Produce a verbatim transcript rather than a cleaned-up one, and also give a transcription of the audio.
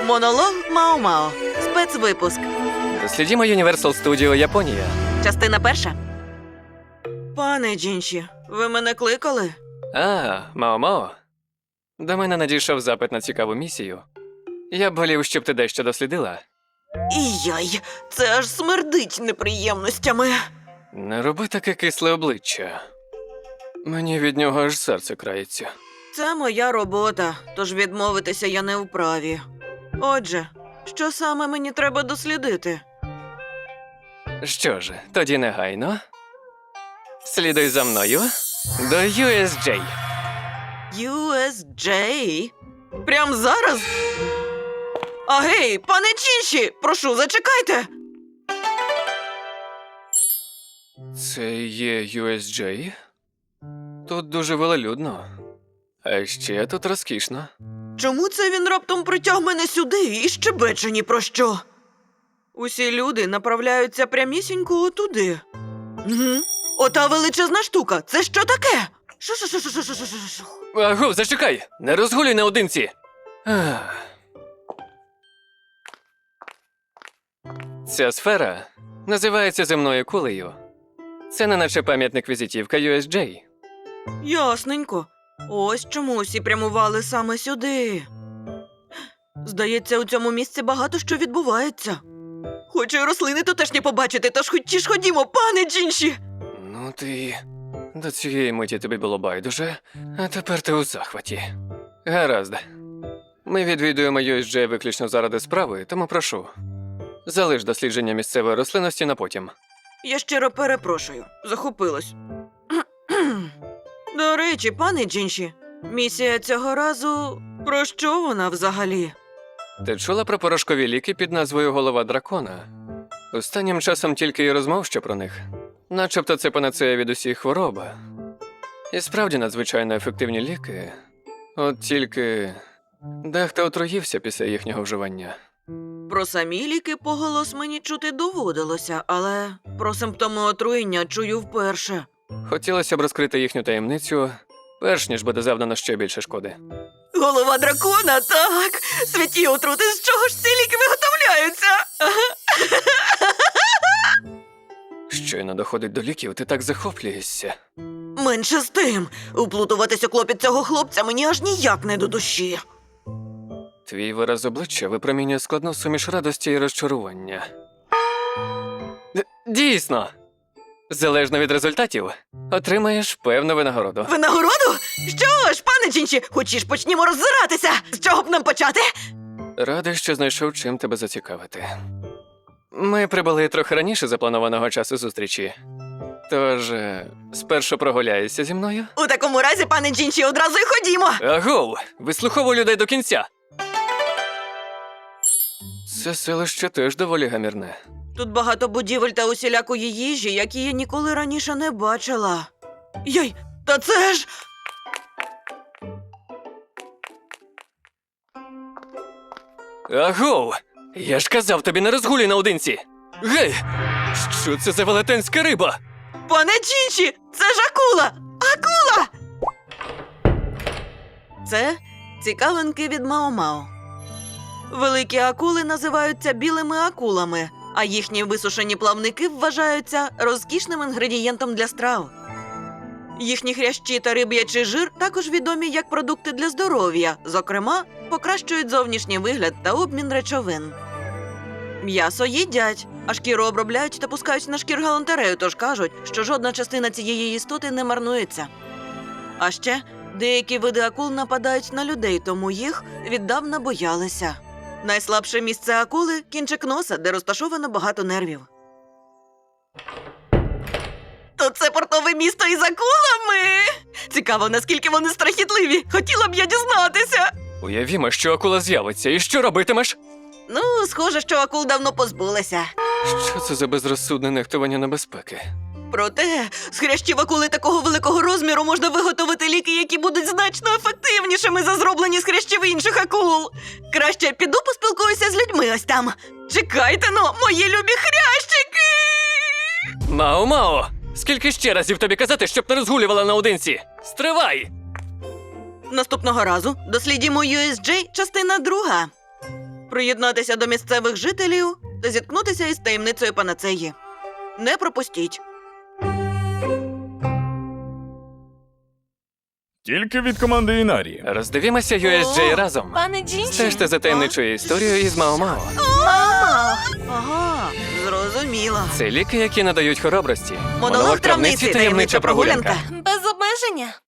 Монолог Мао-Мао. Спецвипуск. Дослідімо Universal Studio Японія. Частина перша. Пане Джінші, ви мене кликали? А, Мао-Мао. До мене надійшов запит на цікаву місію. Я б волів, щоб ти дещо дослідила. І яй, це аж смердить неприємностями. Не роби таке кисле обличчя. Мені від нього аж серце крається. Це моя робота, тож відмовитися я не вправі. Отже, що саме мені треба дослідити? Що ж, тоді негайно. Слідуй за мною до ю ес джей. ю ес джей? Прям зараз? А гей, пане Джінші, прошу, зачекайте! Це є ю ес джей? Тут дуже велолюдно. А ще тут розкішно. Чому це він раптом притяг мене сюди і щебече ні про що? Усі люди направляються прямісінько отуди. Угу. Ота величезна штука, це що таке? Шу-шу-шу-шу-шу-шу-шу-шу. Агу, зачекай! Не розгулюй наодинці! Ах. Ця сфера називається земною кулею. Це не наче пам'ятник візитівка ю ес джей. Ясненько. Ось чому усі прямували саме сюди. Здається, у цьому місці багато що відбувається. Хочу й рослини тутешні побачити, тож хоч ж ходімо, пане Джінші! Ну ти... До цієї миті тобі було байдуже, а тепер ти у захваті. Гаразд. Ми відвідуємо ю ес джей виключно заради справи, тому прошу. Залиш дослідження місцевої рослинності на потім. Я щиро перепрошую, захопилась. До речі, пане Джінші, місія цього разу... Про що вона взагалі? Ти чула про порошкові ліки під назвою «Голова дракона»? Останнім часом тільки й розмов що про них. Начебто це панацея від усіх хвороб. І справді надзвичайно ефективні ліки. От тільки дехто отруївся після їхнього вживання. Про самі ліки поголос мені чути доводилося, але про симптоми отруєння чую вперше. Хотілося б розкрити їхню таємницю, перш ніж буде завдано ще більше шкоди. Голова дракона, так! Святі отрути, з чого ж ці ліки виготовляються? Щойно доходить до ліків, ти так захоплюєшся. Менше з тим, уплутуватися клопіт цього хлопця мені аж ніяк не до душі. Твій вираз обличчя випромінює складну суміш радості і розчарування. Д- Дійсно! Залежно від результатів, отримаєш певну винагороду. Винагороду? Що ж, пане Джінші, хочеш почнімо роззиратися? З чого б нам почати? Радий, що знайшов чим тебе зацікавити. Ми прибули трохи раніше запланованого часу зустрічі. Тож, е, спершу прогуляєшся зі мною? У такому разі, пане Джінші, одразу й ходімо. Агов! Вислуховуй людей до кінця! Це селище теж доволі гамірне. Тут багато будівель та усілякої їжі, які я ніколи раніше не бачила. Йой, та це ж... Агов! Я ж казав тобі не розгулюй наодинці! Гей! Що це за велетенська риба? Пане Джінші, це ж акула! Акула! Це цікавинки від Мао-Мао. Великі акули називаються білими акулами, а їхні висушені плавники вважаються розкішним інгредієнтом для страв. Їхні хрящі та риб'ячий жир також відомі як продукти для здоров'я, зокрема, покращують зовнішній вигляд та обмін речовин. М'ясо їдять, а шкіру обробляють та пускають на шкір галантерею, тож кажуть, що жодна частина цієї істоти не марнується. А ще деякі види акул нападають на людей, тому їх віддавна боялися. Найслабше місце акули – кінчик носа, де розташовано багато нервів. То це портове місто із акулами? Цікаво, наскільки вони страхітливі. Хотіла б я дізнатися. Уявімо, що акула з'явиться, і що робитимеш? Ну, схоже, що акул давно позбулися. Що це за безрозсудне нехтування небезпеки? Проте, з хрящів акули такого великого розміру можна виготовити ліки, які будуть значно ефективнішими за зроблені з хрящів інших акул. Краще піду поспілкуюся з людьми ось там. Чекайте-но, мої любі хрящики! Мао-Мао! Скільки ще разів тобі казати, щоб не розгулювала наодинці? Стривай! Наступного разу дослідімо ю ес джей частина друга. приєднатися до місцевих жителів та зіткнутися із таємницею панацеї. Не пропустіть. Тільки від команди Інарі. Роздивімося ю ес джей О, разом. Пане Джінші. Стежте за таємничою історією із Мао-Мао. Мамо! Ага, зрозуміла. Це ліки, які надають хоробрості. Монолог травниці, таємнича прогулянка. Без обмеження.